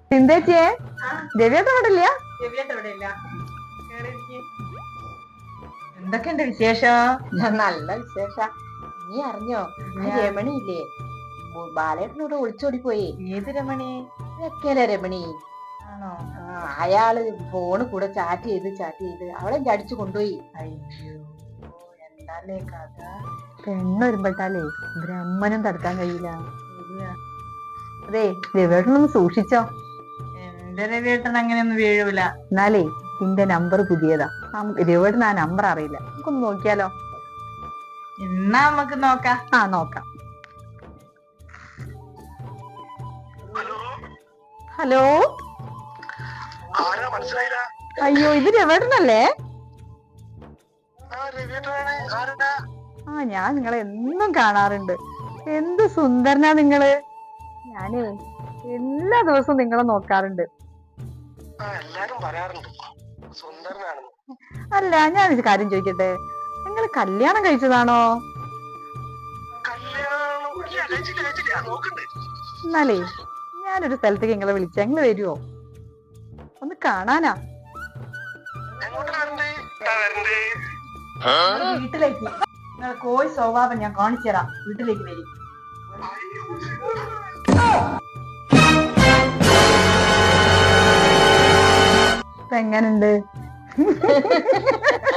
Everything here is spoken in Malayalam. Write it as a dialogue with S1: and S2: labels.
S1: ചിന്തേച്ചിയെ രവിയേട്ട അവിടെ ഇല്ല?
S2: എന്തൊക്കെയുണ്ട് വിശേഷം?
S1: നല്ല വിശേഷ. നീ അറിഞ്ഞോ രമണി ഇല്ലേ, ബാലേട്ടനോട് ഒളിച്ചോടി പോയി.
S2: ഏത് രമണി?
S1: രമണി
S2: ആണോ?
S1: അയാള് ഫോണ് കൂടെ ചാറ്റ് ചെയ്ത് അവളെ അടിച്ചു കൊണ്ടുപോയി.
S2: അയ്യോ, എന്താലേ കഥ.
S1: പെണ്ണ് വരുമ്പോഴാലേ ബ്രഹ്മനും തടുക്കാൻ കഴിയില്ല. അതെ, രവിയേട്ടനൊന്ന് സൂക്ഷിച്ചോ.
S2: എന്റെ രവിയേട്ടൻ അങ്ങനെയൊന്നും വീഴൂല.
S1: എന്നാലേ നിന്റെ നമ്പർ പുതിയതാ, രവിയേട്ടന് ആ നമ്പർ അറിയില്ല. നമുക്കൊന്ന് നോക്കിയാലോ?
S2: എന്നാ നമുക്ക് നോക്കാം.
S1: നോക്കാം. ഹലോ, അയ്യോ ഇത് രവിയേട്ടനല്ലേ? ഞാൻ നിങ്ങളെ എന്നും കാണാറുണ്ട്. എന്ത് സുന്ദരനാ നിങ്ങള്. ഞാനേ എല്ലാ ദിവസവും നിങ്ങളെ നോക്കാറുണ്ട്. അല്ല, ഞാനൊരു കാര്യം ചോദിക്കട്ടെ, നിങ്ങൾ കല്യാണം കഴിച്ചതാണോ? എന്നാലേ ഞാനൊരു സ്ഥലത്തേക്ക് നിങ്ങളെ വിളിച്ച നിങ്ങൾ വരുവോ? ഒന്ന് കാണാനാ.
S2: വീട്ടിലേക്ക് നിങ്ങൾ കോഴി സ്വഭാവം ഞാൻ കാണിച്ചു തരാം. വീട്ടിലേക്ക് വരും.
S1: ഇപ്പൊ എങ്ങനുണ്ട്?